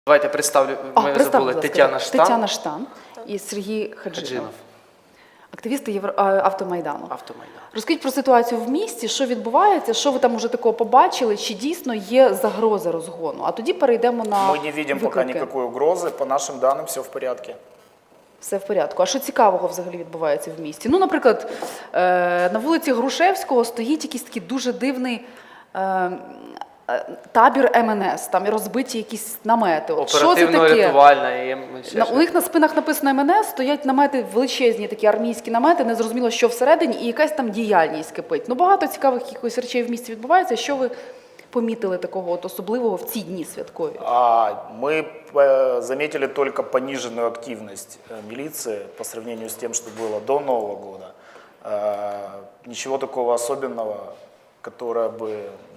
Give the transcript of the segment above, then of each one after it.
Давайте представлю, ми забули, Тетяна Штан. Тетяна Штан і Сергій Хаджинов. Активісти Автомайдану. Розкажіть про ситуацію в місті, що відбувається, що ви там уже такого побачили, чи дійсно є загроза розгону. А тоді перейдемо на Ми не бачимо поки ніякої угрози, по нашим даним все в порядку. Все в порядку. А що цікавого взагалі відбувається в місті? Ну, наприклад, на вулиці Грушевського стоїть якийсь такий дуже дивний табір МНС, там і розбиті якісь намети. Оперативно-рятувальна. У них на спинах написано МНС, стоять намети, величезні такі армійські намети, незрозуміло, що всередині, і якась там діяльність кипить. Ну, багато цікавих якихось речей в місті відбувається. Що ви помітили такого от особливого в ці дні святкові? Мы заметили только пониженную активность милиции по сравнению с тем, что было до Нового года. Ничего такого особенного, которое бы,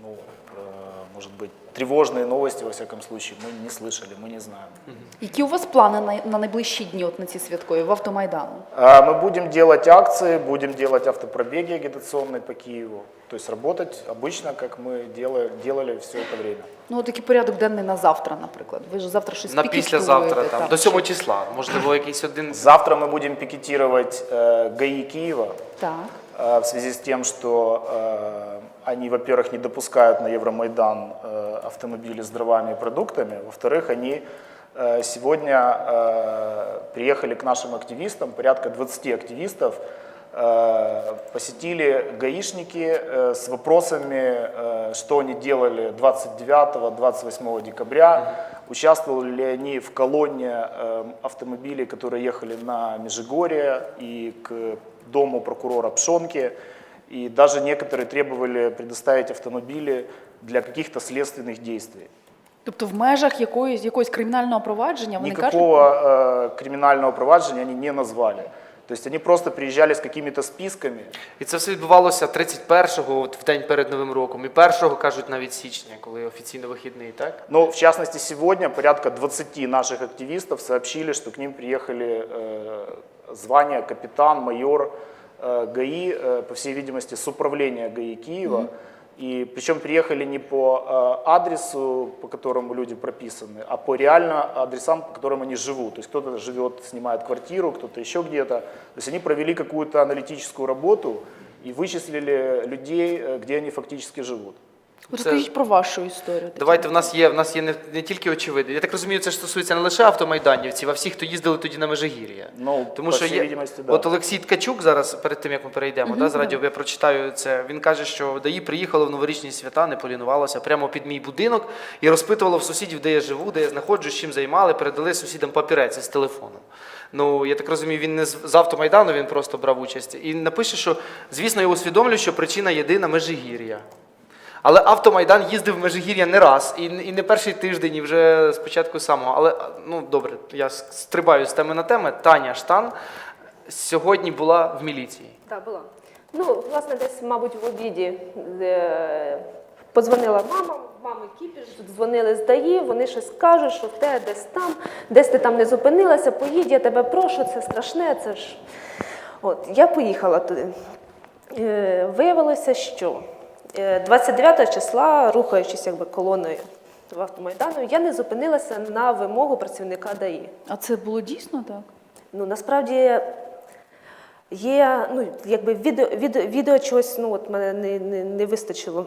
может быть, тревожные новости, во всяком случае, мы не слышали, мы не знаем. Які у вас плани на найближчі дні, от на ці святкові, в Автомайдану? Мы будем делать акции, будем делать автопробеги агитационные по Киеву. То есть работать обычно, как мы делали все это время. Ну, от такий порядок денний на завтра, наприклад. Ви ж завтра щось На пікетуєте. післязавтра, там, до 7 числа. Можливо, якийсь один... Завтра мы будем пикетировать ГАИ Киева. Так. В связи с тем, что они, во-первых, не допускают на Евромайдан автомобили с дровами и продуктами, во-вторых, они сегодня приехали к нашим активистам, порядка 20 активистов, посетили гаишники с вопросами, что они делали 29-28 декабря, участвовали ли они в колонне автомобилей, которые ехали на Межигорье и к дому прокурора Пшонки, и даже некоторые требовали предоставить автомобили для каких-то следственных действий. Тобто в межах якогось кримінального провадження вони кажуть? Никакого криминального провадження они не назвали. То есть они просто приезжали с какими-то списками. І це все відбувалося 31-го, в день перед Новим роком, і 1-го, кажуть, навіть січня, коли офіційно вихідний, так? Но в частности сегодня порядка 20 наших активистов сообщили, что к ним приехали звания капитан, майор ГАИ, по всей видимости, с управления ГАИ Киева. И причем приехали не по адресу, по которому люди прописаны, а по реально адресам, по которым они живут. То есть кто-то живет, снимает квартиру, кто-то еще где-то. То есть они провели какую-то аналитическую работу и вычислили людей, где они фактически живут. Розкажіть про вашу історію. Давайте, в нас є не тільки очевидно. Я так розумію, це стосується не лише автомайданівців, а всіх, хто їздили тоді на Межигір'я. Ну, тому по що всій видимості, да. От Олексій Ткачук зараз, перед тим, як ми перейдемо, з радіо, я прочитаю це, він каже, що ДАІ приїхало в новорічні свята, не полінувалося, прямо під мій будинок і розпитувало в сусідів, де я живу, де я знаходжусь, чим займали, передали сусідам папірець із телефоном. Ну, я так розумію, він не з Автомайдану, він просто брав участь. І напише, що, звісно, я усвідомлюю, що причина єдина – Межигір'я. Але Автомайдан їздив в Межигір'я не раз, і не перший тиждень, і вже спочатку самого. Але, ну, добре, я стрибаю з теми на тему. Таня Штан сьогодні була в міліції. Так, була. Ну, власне, десь, мабуть, в обіді подзвонила мама, мами кіпіш, дзвонили з ДАІ, вони щось кажуть, що те десь ти там не зупинилася, поїдь, я тебе прошу, це страшне, це ж... От, я поїхала туди. Виявилося, що 29 числа, рухаючись якби колоною в Автомайдану, я не зупинилася на вимогу працівника ДАІ. А це було дійсно так? Ну, насправді є, ну, якби відео чогось, ну, от мене не вистачило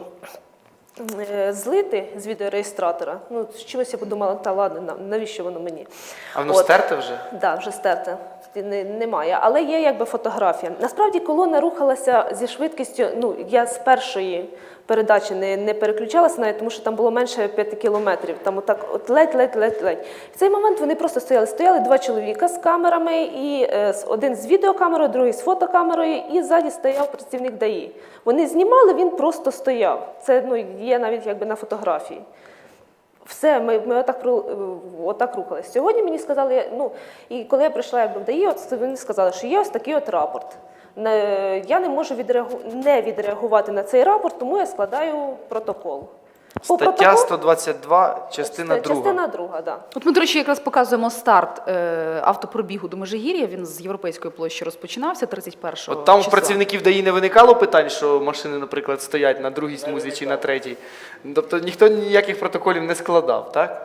злити з відеореєстратора. Ну, з чогось я подумала, та ладно, навіщо воно мені? А воно стерте вже? Так, да, вже стерте. Немає, але є якби фотографія. Насправді колона рухалася зі швидкістю, ну, я з першої передачі не переключалася навіть, тому що там було менше 5 кілометрів, там отак от ледь. В цей момент вони просто стояли два чоловіка з камерами, і один з відеокамерою, другий з фотокамерою, і ззаді стояв працівник ДАІ. Вони знімали, він просто стояв. Це, ну, є навіть якби на фотографії. Все, ми отак рухалися. Сьогодні мені сказали, ну, і коли я прийшла якби в ДАІ, от вони сказали, що є ось такий от рапорт. Я не можу не відреагувати на цей рапорт, тому я складаю протокол. Стаття 122, частина 2. Частина 2, так. От ми, до речі, якраз показуємо старт автопробігу до Межигір'я. Він з Європейської площі розпочинався 31 числа. От там у працівників ДАІ не виникало питань, що машини, наприклад, стоять на другій смузі чи на третій? Тобто ніхто ніяких протоколів не складав, так?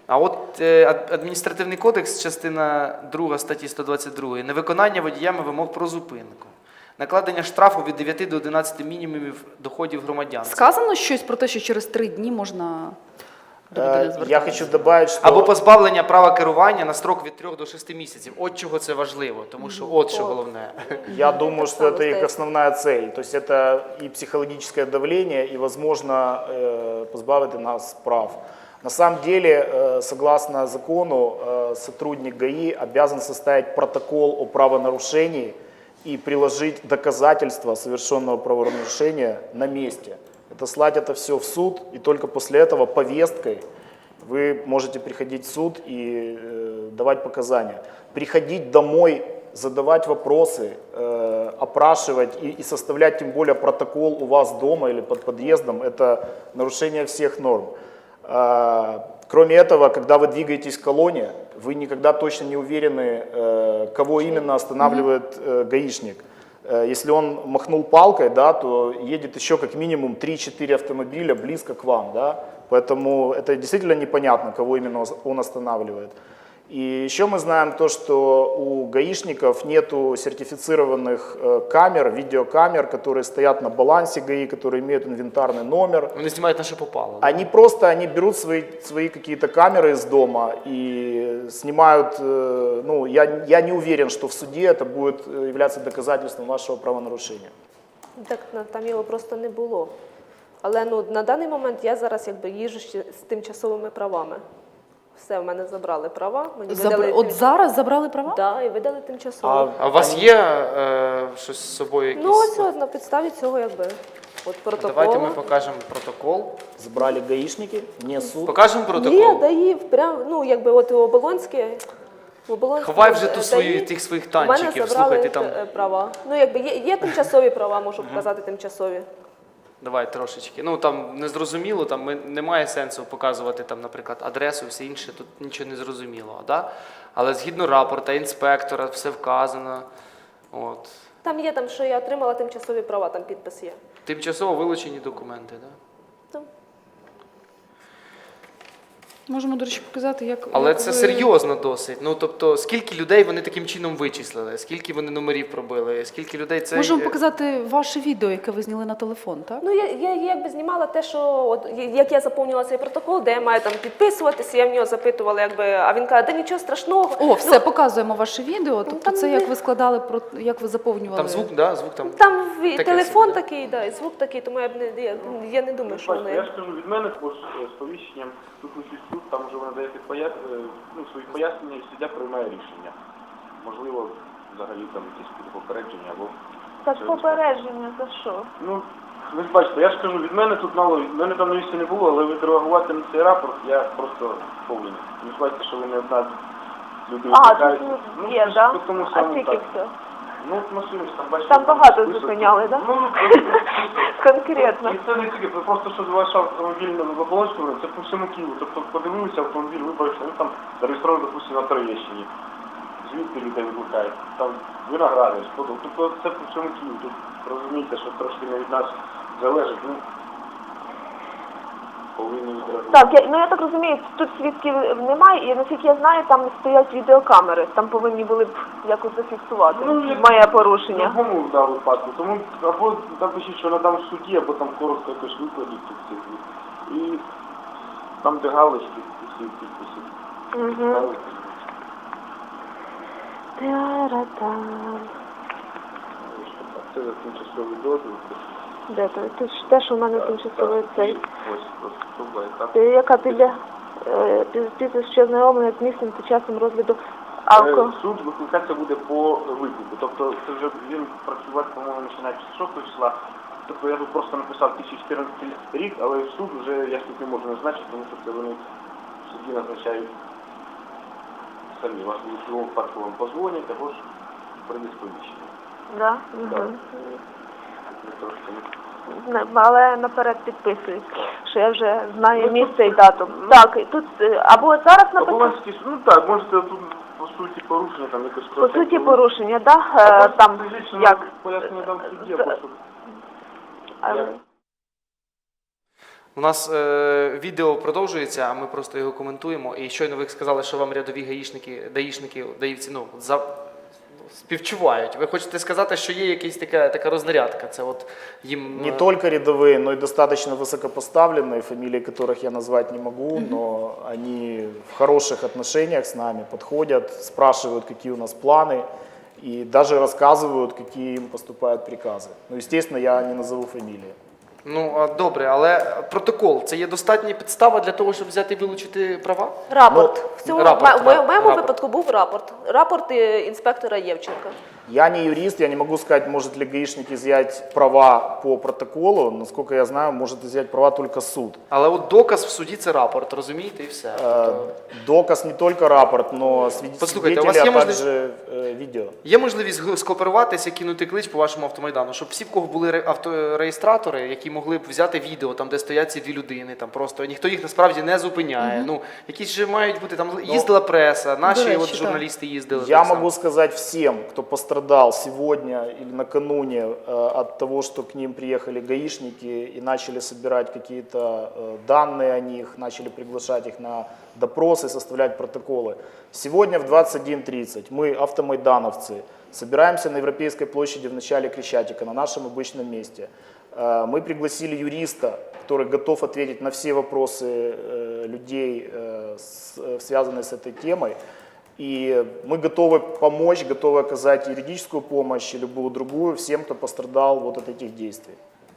А от адміністративний кодекс, частина 2 статті 122, невиконання водіями вимог про зупинку. Накладення штрафу від 9 до 11 мінімумів доходів громадян. Сказано щось про те, що через 3 дні можна до людини звертатися? Я хочу добавить, что... Або позбавлення права керування на строк від 3 до 6 місяців. От чого це важливо, тому що от що головне. Я думаю, что это их стоит. основная цель. То есть это и психологическое давление, и, возможно, позбавить нас прав. На самом деле, согласно закону, сотрудник ГАИ обязан составить протокол о правонарушении и приложить доказательства совершенного правонарушения на месте. Это слать это все в суд, и только после этого повесткой вы можете приходить в суд и давать показания. Приходить домой, задавать вопросы, опрашивать и составлять тем более протокол у вас дома или под подъездом – это нарушение всех норм. Кроме этого, когда вы двигаетесь в колонне, вы никогда точно не уверены, кого именно останавливает гаишник. Если он махнул палкой, да, то едет еще как минимум 3-4 автомобиля близко к вам. Да? Поэтому это действительно непонятно, кого именно он останавливает. И еще мы знаем то, что у гаишников нету сертифицированных камер, видеокамер, которые стоят на балансе ГАИ, которые имеют инвентарный номер. Вони знімають на що попало. Они берут свои какие-то камеры из дома и снимают, ну, я не уверен, что в суде это будет являться доказательством вашего правонарушения. Так там його просто не було. Але ну, на даний момент я зараз якби їжджу ще з тимчасовими правами. Все, в мене забрали права. Мені видали От зараз забрали права? Да, і видали тимчасово. А у вас є щось з собою якісь? Ну ось от, на підставі цього якби от протокол. Давайте ми покажемо протокол. Забрали гаишники, не суд. Покажемо протокол? Є, даїв, прям, ну якби от у Оболонське. Ховай вже тих своїх танчиків, У мене слухай, забрали ти там... права. Ну якби є тимчасові права, можу показати тимчасові. Давай трошечки. Ну там незрозуміло, там немає сенсу показувати там, наприклад, адресу, все інше, тут нічого не зрозуміло, да? Але згідно рапорта, інспектора, все вказано. От. Там є, там, що я отримала тимчасові права, там підпис є. Тимчасово вилучені документи, да? Там. Можемо, до речі, показати, як... Але як це ви- серйозно досить. Ну, тобто, скільки людей вони таким чином вичислили, скільки вони номерів пробили, скільки людей це... Можемо показати ваше відео, яке ви зняли на телефон, так? Ну, я якби знімала те, що от, як я заповнювала цей протокол, де я маю там підписуватися, я в нього запитувала, якби, а він каже, да нічого страшного. О, все, показуємо ваше відео. Тобто там це не- як ви складали, як ви заповнювали... Там звук, да? Звук там... Там Таке телефон собі, да? такий, да, і звук такий, тому я не думаю, що Бачите, вони... я ж кажу, від мене також з повіщенням тут суд, там вже ви надаєте свої пояснення і суддя приймає рішення. Можливо, взагалі там якісь попередження або... Так попередження за що? Ну, ви ж бачите, я ж кажу, від мене тут мало, від мене там на місці не було, але відреагувати на цей рапорт я просто повинен. Ви ж бачите, що ви не одна люди А, викликаєте. тут є, да? Тому А самому скільки так. все? Ну, от машини ж там, бачите... Там багато список. зупиняли, да? Ну, Конкретно. І це не тільки, це просто, що ваш автомобіль на Оболонському, це по всьому Києву. Тобто подивилися автомобіль, вибачте, він там зареєстрований, допустимо, на Троєщині. Звідки людей викликають? Там Виноградар, Сподол. Тобто це по всьому Києву. Тут розумієте, що трошки не від нас залежить, ну, повинні відреагувати. Так, я так розумію, тут свідків немає, і наскільки я знаю, там стоять відеокамери. Там повинні були б якось зафіксувати моє порушення. В якому випадку. Тому або напишіть, що надам в суді, або там коротко якось викладіть цих цифр. І там, де галочки, всі підписи. Угу. Та-ра-там. Це за тимчасовий дозвіл. Де то? Тут ж те, що в мене тимчасовий цей. Ось, особа, яка... Яка після що знайомлення з місцем та часом розгляду алко. Суд викликатися буде по виклику. Тобто це вже він працювати, по-моєму, починаючи з 6 числа. Тобто я тут просто написав 2014 рік, але суд вже я ж тут не можу назначити, тому що це вони в суді назначають самі. Вас в будь-якому випадку вам позвонять, або ж прийде сповіщення. Да? Так. Угу. Це трошки не... Але наперед підписують, що я вже знаю місце і дату. Так, і тут або зараз написано, Оболонський суд, ну так, можете тут по суті порушення, там якось... по суті порушення, да? Там як? Пояснення там в суді, або щоб... Але- У нас відео продовжується, а ми просто його коментуємо. І щойно ви сказали, що вам рядові даїшники, даївці, співчувають. Ви хочете сказати, що є якась така рознарядка? Це от їм... Не только рядовые, но и достаточно высокопоставленные, фамилии которых я назвать не могу, но они в хороших отношениях с нами, подходят, спрашивают, какие у нас планы, и даже рассказывают, какие им поступают приказы. Ну, естественно, я не назову фамилии. Добре, але протокол – це є достатня підстава для того, щоб взяти і вилучити права? Рапорт. В цьому рапорт, в моєму рапорт. випадку був рапорт. Рапорт інспектора Євченка. Я не юрист, я не могу сказать, может ли гаишник изъять права по протоколу. Насколько я знаю, может изъять права только суд. Але от доказ в суді – це рапорт, розумієте, і все. Доказ не только рапорт, но Послухайте, у свидетели, вас є а можливість- также видео. Є можливість скооперуватися, кинути клич по вашому автомайдану, щоб всі, в кого були автореєстратори, які могли б взяти відео, там, де стоять ці дві людини, там просто ніхто їх насправді не зупиняє. Якісь же мають бути, там їздила преса, наші речі, от так. журналісти їздили. Я так само. могу сказать всем, кто пострадал сегодня или накануне от того, что к ним приехали гаишники и начали собирать какие-то данные о них, начали приглашать их на допросы, составлять протоколы. Сегодня в 21:30 мы, автомайдановцы, собираемся на Европейской площади в начале Крещатика, на нашем обычном месте. Мы пригласили юриста, который готов ответить на все вопросы людей, связанные с этой темой. И мы готовы помочь, готовы оказать юридическую помощь и любую другую всем, кто пострадал вот от этих действий.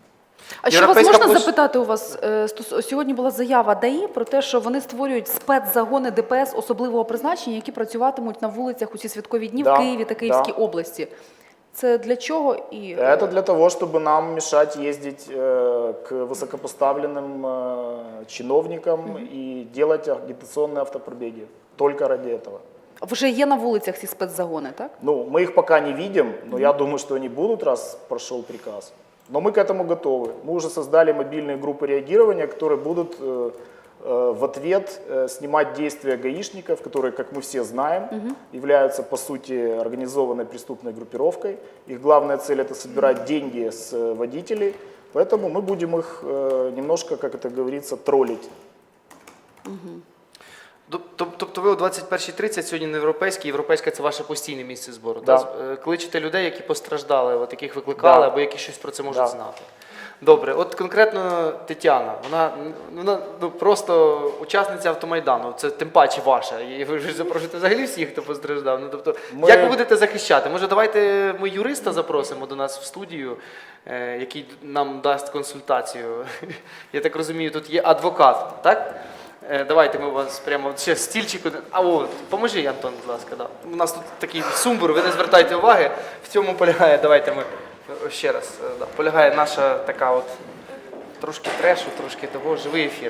А що вас Європейська можна площа- запитати у вас? Сьогодні була заява ДАІ про те, що вони створюють спецзагони ДПС особливого призначення, які працюватимуть на вулицях у ці святкові дні Да, в Києві та Київській да. області. Це для чого? І Это для того, чтобы нам мешать ездить к высокопоставленным чиновникам и делать агитационные автопробеги. Только ради этого. вже є на вулицях ці спецзагони, так? Ну, мы их пока не видим, но я думаю, что они будут, раз прошел приказ. Но мы к этому готовы. Мы уже создали мобильные группы реагирования, которые будут в ответ снимать действия гаишников, которые, как мы все знаем, являются, по сути, организованной преступной группировкой. Их главная цель – это собирать деньги с водителей. Поэтому мы будем их немножко, как это говорится, троллить. Тобто ви о 21:30 сьогодні на європейська – це ваше постійне місце збору. Да. Так? Кличете людей, які постраждали, от яких викликали, Да. або які щось про це можуть Да. знати. Добре, от конкретно Тетяна, вона просто учасниця автомайдану, це тим паче ваша. І ви ж запрошуєте взагалі всіх, хто постраждав. Тобто, як ви будете захищати? Може, давайте ми юриста запросимо до нас в студію, який нам дасть консультацію. Я так розумію, тут є адвокат, так? Давайте ми вас прямо ще стільчику. Поможи, Антон, будь ласка. Да. У нас тут такий сумбур, ви не звертайте уваги. В цьому полягає, давайте ми ще раз. Да, полягає наша така от трошки трешу, трошки того, живий ефір.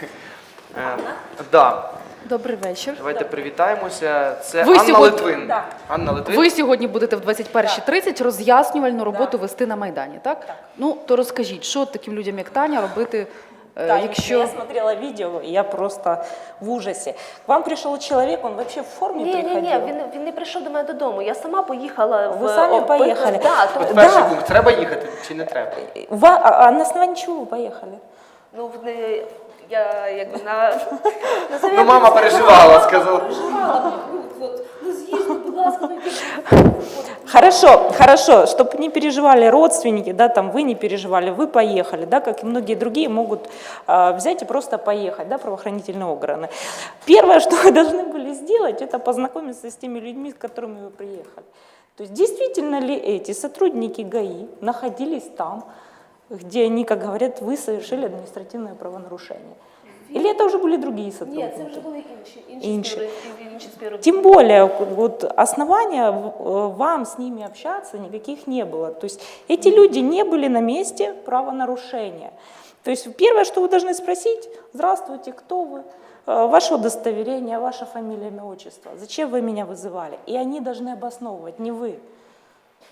Да. Добрий вечір. Давайте привітаємося. Це Ви Анна сьогодні- Литвин. Да. Анна Литвин. Ви сьогодні будете в 21:30 роз'яснювальну роботу вести на Майдані, так? Ну, то розкажіть, що таким людям, як Таня, робити, Да, якщо... я смотрела видео, и я просто в ужасе. К вам пришел человек, он вообще в форме приходил? Ні, він не прийшов до мене додому. Я сама поїхала. Ви самі поїхали? Да, От перший пункт. Треба їхати чи не треба? А на основании чего вы поехали? ну, я якби на... Ну, мама переживала, сказала. Хорошо, чтобы не переживали родственники, да, там вы не переживали, вы поехали, да, как и многие другие могут взять и просто поехать, да, правоохранительные органы. Первое, что вы должны были сделать, это познакомиться с теми людьми, с которыми вы приехали. То есть действительно ли эти сотрудники ГАИ находились там, где они, как говорят, вы совершили административное правонарушение? Или это уже были другие сотрудники? Ні, це вже були інші співробітники. Тем более, вот основания вам с ними общаться никаких не было. То есть эти люди не были на месте правонарушения. То есть первое, что вы должны спросить: здравствуйте, кто вы? Ваше удостоверение, ваша фамилия, имя, отчество. Зачем вы меня вызывали? И они должны обосновывать, не вы. То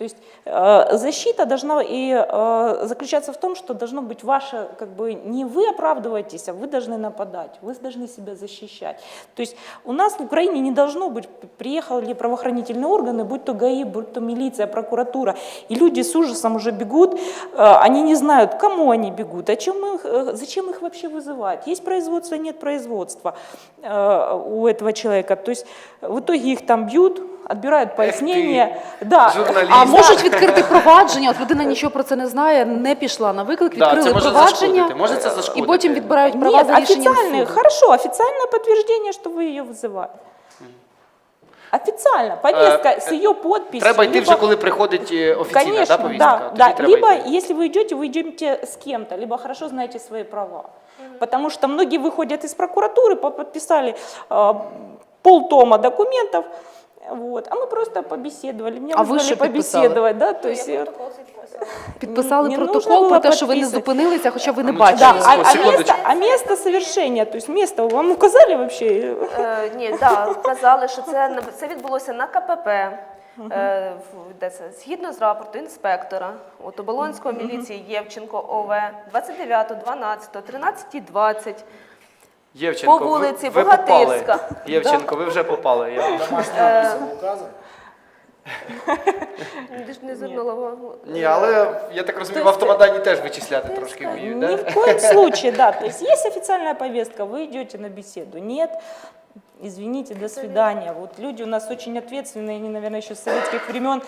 То есть защита должна и заключаться в том, что должно быть ваше, как бы не вы оправдываетесь, а вы должны нападать, вы должны себя защищать. То есть у нас в Украине не должно быть, приехали правоохранительные органы, будь то ГАИ, будь то милиция, прокуратура, и люди с ужасом уже бегут, они не знают, к кому они бегут, зачем их вообще вызывать. Есть производство, нет производства у этого человека. То есть в итоге их там бьют, отбирають пояснення. Да. Журналіст. А можуть відкрити провадження, от людина нічого про це не знає, не пішла на виклик, Да, відкрили це може провадження, зашкодити, може це зашкодити. і потім відбирають права Нет, за рішенням официальное, суду. хорошо, официальное подтверждение, что вы ее вызывали. Официально, повестка с ее подписью. Треба йти либо- вже, коли приходить офіційна Конечно, повістка. да, Тоді да. треба Либо, йти. если вы идете с кем-то, либо хорошо знаете свои права. Потому что многие выходят из прокуратуры, подписали полтома документов, вот, а мы просто побеседовали. Меня А вы вызвали что подписали? побеседовать, да, то есть... Підписали Не протокол нужно про було те, що ви не підписувати. зупинилися, хоча ви не Ну, бачили. Да, Секундочку, секундочку. а место совершения, то есть место вам указали вообще? Ні, да, казали, що це відбулося на КПП. Де це? Згідно з рапорту інспектора от Оболонської міліції Євченко ОВ 29.12, 13.20 Євченко, по вулиці ви попали. Богатирська. Євченко, ви вже попали. Домашний адрес указан? Ти ж не звернула увагу. Ні, але я так розумію, в автомадані теж вичисляти трошки вміють, Ни да? в коем случае, да. То есть есть официальная повестка, вы идете на беседу. Нет, извините, до свидания. Вот люди у нас очень ответственные, они, наверное, еще с советских времен,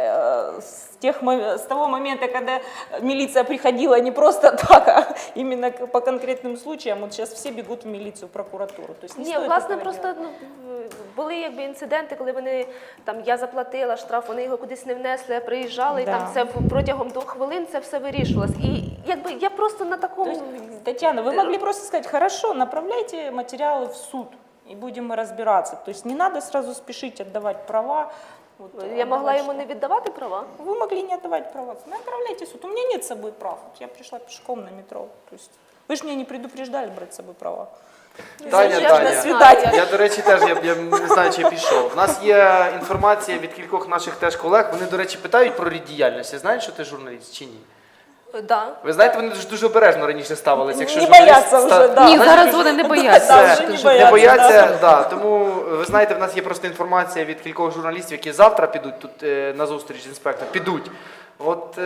с того момента, когда милиция приходила не просто так, а именно по конкретным случаям. Вот сейчас все бегут в милицию, в прокуратуру. То есть не Ні, стоит власне, этого просто делать. були якби інциденти, коли вони там я заплатила штраф, вони його кудись не внесли, приїжджали, і Да. там все протягом 2 хвилин це все вирішувалось. І якби я просто на То такому есть, Татьяна, вы могли просто сказать, хорошо, направляйте материалы в суд, и будем мы разбираться. То есть не надо сразу спешить отдавать права. Вот, я могла отдавать йому не віддавати права. Вы могли не отдавать права. Направляйте в суд. У меня нет с собой прав. Вот я пришла пешком на метро. То есть вы же меня не предупреждали брать с собой права. Таня, Я ж Таня. не знаю. Я, до речі, теж я не знаю, чи я пішов. У нас є інформація від кількох наших теж колег. Вони, до речі, питають про рід діяльності. Знаєш, що ти журналіст чи ні? Да. Ви знаєте, вони дуже обережно раніше ставилися. Якщо Не журналіст бояться вже, да. Ні, Знаєш, зараз вони не бояться. Да, Все, вже не не бояться, бояться, да. Тому ви знаєте, в нас є просто інформація від кількох журналістів, які завтра підуть тут на зустріч з інспектором. Підуть. От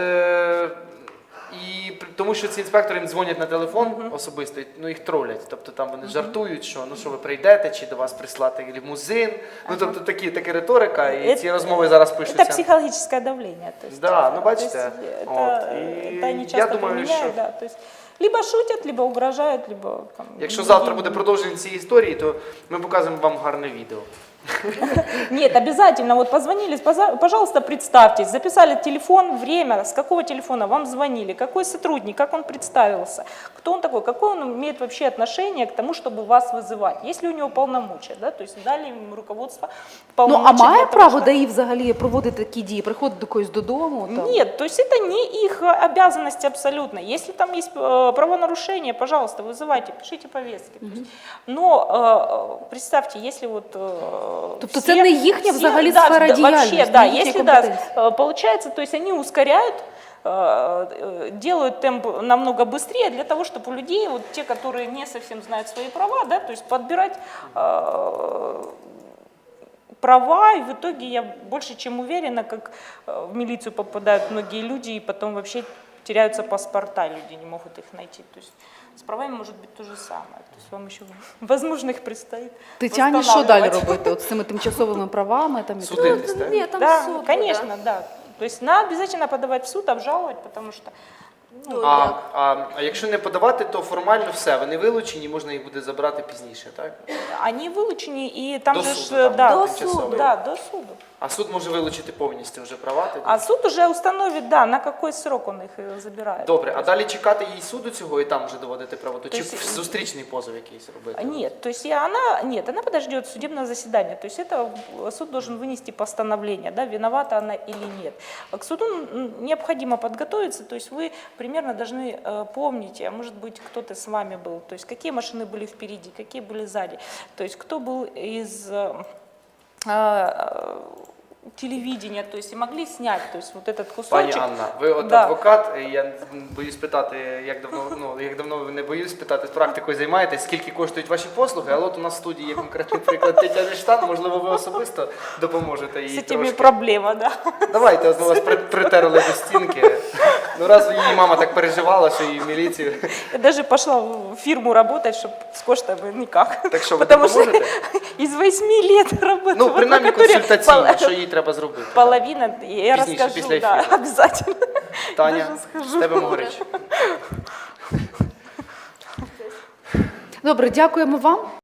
і тому, що ці інспектори їм дзвонять на телефон особисто, ну їх тролять. Тобто там вони жартують, що ну що ви прийдете, чи до вас прислати лімузин. Ну тобто така риторика, і ці розмови зараз Это пишуться. психологическое давление. То есть, Да, ну то бачите. есть От, это они і часто я думаю, применяют, що да, то есть либо шутят, либо угрожают, либо там, якщо другим. завтра буде продовження цієї історії, то ми покажемо вам гарне відео. Нет, обязательно, вот позвонили, пожалуйста, представьтесь, записали телефон, время, с какого телефона вам звонили, какой сотрудник, как он представился, кто он такой, какое он имеет вообще отношение к тому, чтобы вас вызывать, есть ли у него полномочия, да, то есть дали им руководство Ну, полномочия. а має для того, право чтобы- ДАІ взагалі проводити такі дії, приходить до когось додому? Там? Нет, то есть это не их обязанность абсолютно. Если там есть правонарушение, пожалуйста, вызывайте, пишите повестки. То есть, но представьте, если вот... Тобто це не їхня взагалі сфера вообще, діяльності, да, не їхня если да, компетенція. получается, то есть они ускоряют, делают темп намного быстрее для того, чтобы у людей, вот те, которые не совсем знают свои права, да, то есть подбирать права, и в итоге я больше чем уверена, как в милицию попадают многие люди, и потом вообще теряются паспорта, люди не могут их найти. То есть с правами может быть то же самое. То есть вам еще, возможно, их предстоит Тетяні що далі восстанавливать. робити? От з цими тимчасовими правами? Там, і так далі? Судитись, так? Ні, там Да, суд. конечно, да. То есть надо обязательно подавать в суд, обжаловать, потому что Ну, А, як? а якщо не подавати, то формально все, вони вилучені, можна їх буде забрати пізніше, так? они вылучены, и там До же суду, ж, там, да, до тимчасово. суду. да, до суду. А суд може вилучити повністю вже права тоді? А суд уже установит, да, на какой срок он их забирает. Добре, а далі чекати їй суду цього і там вже доводити правоту? Чи есть- зустрічний позов якийсь робити? Нет, то есть она подождет судебного заседания. То есть это суд должен вынести постановление, да, виновата она или нет. А к суду необходимо подготовиться, то есть вы примерно должны помнить, а может быть кто-то с вами был, то есть какие машины были впереди, какие были сзади, то есть кто был из телевидения, то есть и могли снять, то есть вот этот Пані кусочек. Анна, ви от Да. адвокат, і я боюсь питати, як давно ви не боюсь питати, з практикою займаєтесь, скільки коштують ваші послуги, але от у нас в студії є конкретний приклад Тетяни Штан, можливо, ви особисто допоможете їй С этими трошки. проблема, да. Давайте, от ми вас притерли до стінки. Ну раз її мама так переживала, що її в міліцію. Я даже пошла в фирму работать, чтобы с коштами никак. Так що, ви Потому что допоможете? из 8 лет работы, Ну, вот принаймні на которой консультаційно, що їй треба зробити. половина, я Пізніше, расскажу, після да, ефіру. обязательно. Таня, Даже скажу. з тебе Могорич. Добре, дякуємо вам.